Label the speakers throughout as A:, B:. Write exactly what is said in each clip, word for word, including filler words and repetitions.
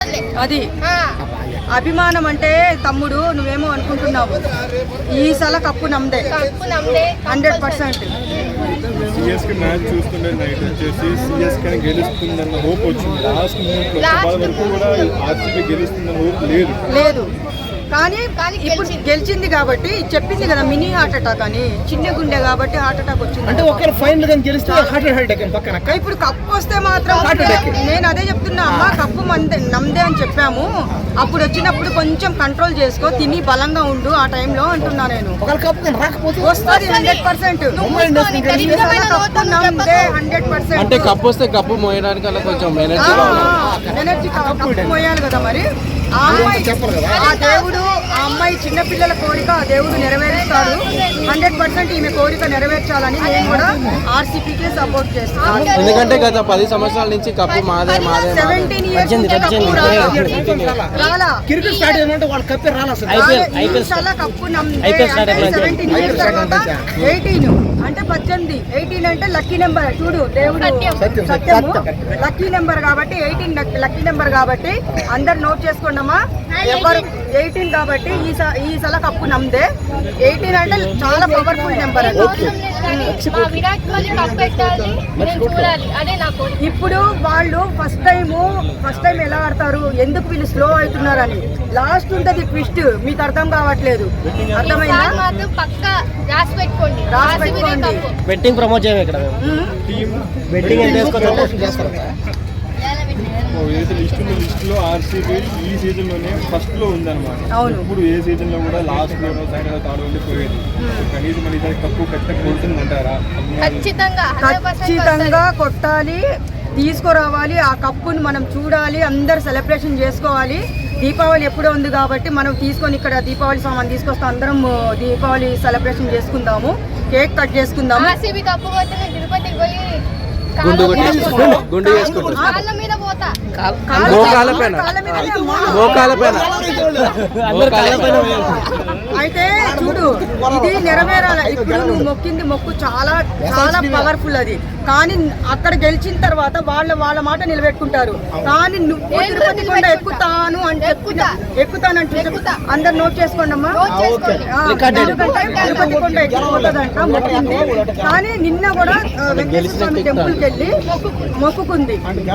A: అది అభిమానం అంటే తమ్ముడు నువ్వేమో అనుకుంటున్నావు. ఈసాల కప్పు నమ్దే హండ్రెడ్ పర్సెంట్.
B: సిఎస్కే మ్యాచ్ చూస్తుంటే నైట్ వచ్చేసి సిఎస్కే గెలుస్తుందన్న హోప్ వచ్చింది. లాస్ట్ మూమెంట్ వరకు కూడా ఆర్సీబీ గెలుస్తుందన్న హోప్ లేదు
A: లేదు కానీ ఇప్పుడు గెలిచింది కాబట్టి చెప్పింది కదా, మినీ హార్ట్ అటాక్ అని. చిన్న గుండె కాబట్టి హార్ట్ అటాక్ వచ్చింది.
C: అంటే ఒకరు ఫైనల్ గా గెలిస్తే హార్ట్ అటాక్ పక్కన.
A: ఇప్పుడు కప్పు వస్తే మాత్రం నేను అదే చెప్తున్నా అమ్మా, కప్పు మందే నమ్దే అని చెప్పాము. అప్పుడు వచ్చినప్పుడు కొంచెం కంట్రోల్ చేసుకో, తిని బలంగా ఉండు ఆ టైంలో అంటున్నా నేను. వస్తుంది హండ్రెడ్ పర్సెంట్ హండ్రెడ్ పర్సెంట్.
D: అంటే కప్పు వస్తే కప్పు మోయడానికి అలా కొంచెం ఎనర్జీ
A: ఎనర్జీ కప్పు మోయాలి కదా మరి. ఆ అమ్మాయి ఆ దేవుడు ఆ అమ్మాయి చిన్నపిల్లల కోరిక ఆ దేవుడు నెరవేరుస్తాడు. హండ్రెడ్ పర్సెంట్ ఈమె కోరిక నెరవేర్చాలని నేను కూడా ఆర్సీపీకే సపోర్ట్ చేస్తాను.
D: ఎందుకంటే గత పది సంవత్సరాల నుంచి కప్పు మాదే మాదే
A: సెవెంటీన్ ఇయర్స్ రాలా
C: క్రికెట్ స్టార్ట్ అయినంటే వాళ్ళ కప్పే రాలా సార్.
A: కప్పు సెవెంటీన్ ఇయర్స్ తర్వాత ఎయిటీన్ అంటే పద్దెనిమిది, ఎయిటీన్ అంటే లక్కీ నెంబర్. చూడు దేవుడు సత్యము లక్కీ నెంబర్ కాబట్టి ఎయిటీన్ లక్కీ నెంబర్ కాబట్టి అందరు నోట్ చేసుకోండమ్మా. ఎవరు ఎయిటీన్ కాబట్టి ఈ ఈ సల కప్పు నమ్దే. ఎయిటీన్ అంటే చాలా పవర్ఫుల్ నెంబర్ అది. ఇప్పుడు వాళ్ళు ఫస్ట్ టైము ఫస్ట్ టైం ఎలా ఆడతారు, ఎందుకు వీళ్ళు స్లో అవుతున్నారని లాస్ట్ ఉంటది ట్విస్ట్. మీకు అర్థం కావట్లేదు, అర్థమైందా? రాసి పెట్టుకోండి.
D: బెట్టింగ్ ప్రమోట్ చేయాలి ఇక్కడ. బెట్టింగ్
B: ఏదైతే లిస్ట్ ఉందో లిస్ట్ లో ఆర్సీబీ ఈ సీజన్ లోనే ఫస్ట్ లో ఉందన్నమాట. ఇప్పుడు ఏ సీజన్ లో కూడా లాస్ట్ లో సెకండ్ థర్డ్ ఉండిపోయేది. కనీసం మన ఇద్దరు కప్పు పెట్ట కొడుతుందంటారా?
A: ఖచ్చితంగా కొట్టాలి, తీసుకురావాలి. ఆ కప్పుని మనం చూడాలి, అందరు సెలబ్రేషన్ చేసుకోవాలి. దీపావళి ఎప్పుడో ఉంది కాబట్టి మనం తీసుకొని ఇక్కడ దీపావళి సామాన్ తీసుకొస్తాం. అందరం దీపావళి సెలబ్రేషన్ చేసుకుందాము, కేక్ కట్ చేసుకుందాము.
D: గుండు గుండు
A: అయితే చూడు, ఇది నెరవేరాలి. ఇప్పుడు నువ్వు మొక్కింది మొక్కు చాలా చాలా పవర్ఫుల్ అది. కానీ అక్కడ గెలిచిన తర్వాత వాళ్ళ వాళ్ళ మాట నిలబెట్టుకుంటారు. కానీ నువ్వు తిరుపతి కొండ ఎక్కుతాను అంటే ఎక్కుతానంటే అందరు నోట్ చేసుకోండి అమ్మా. తిరుపతి కొండ ఎక్కిపోతుందంట మొక్కింది. కానీ నిన్న కూడా వెంకటేశ్వర స్వామి టెంపుల్ కి వెళ్ళి మొక్కుకుంది.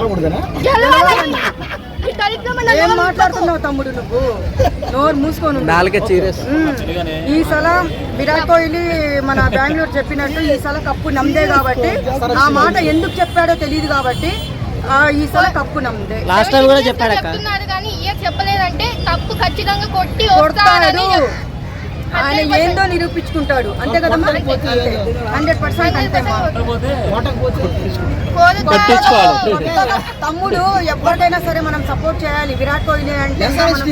A: ఏం మాట్లాడుతున్నావు తమ్ముడు నువ్వు? నోరు మూసుకోను. ఈ సల విరాట్ కోహ్లీ మన బెంగళూరు చెప్పినట్టు ఈ సల కప్పు నమ్దే కాబట్టి, ఆ మాట ఎందుకు చెప్పాడో తెలియదు కాబట్టి ఈ సల కప్పు నమ్దే.
D: లాస్ట్ టైం కూడా చెప్పాడు
E: కానీ చెప్పలేదంటే కప్పు ఖచ్చితంగా కొట్టి
A: కొడతాడు. ఆయన ఏందో నిరూపించుకుంటాడు అంతే కదమ్మా. హండ్రెడ్ పర్సెంట్ అంతే. తమ్ముడు ఎవరికైనా సరే మనం సపోర్ట్ చేయాలి. విరాట్ కోహ్లీ అంటే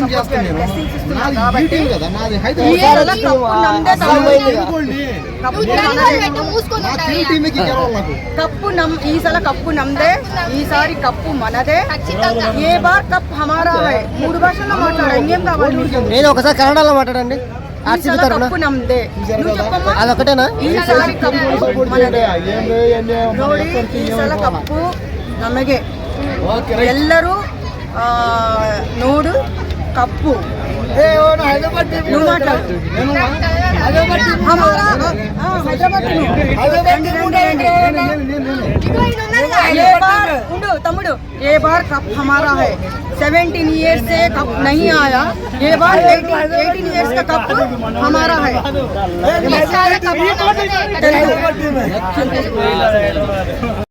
A: కప్పు నమ్ ఈసారి కప్పు నమ్దే. ఈసారి కప్పు మనదే. ఏ బార్ కప్ హమారా హై. మూడు భాషల్లో మాట్లాడా, ఇంకేం కావాలి?
D: నేను ఒకసారి కన్నడలో మాట్లాడండి.
A: కప్పు నమ్దే.
D: అదొకటేనా?
A: ఈసారి కప్పు మనదే. ನೋಡಿ ಈ ಸಲ ಕಪ್ಪು ನಮಗೆ. ಎಲ್ಲರೂ ನೋಡು ಕಪ್ಪು. నువ్వు మాట్లాడు. ये बार उंडू तमुडू ये बार कप हमारा है. सेवेंटीन ईयर्स से कप नहीं आया. ये बार एटीन ईयर्स का कप हमारा है.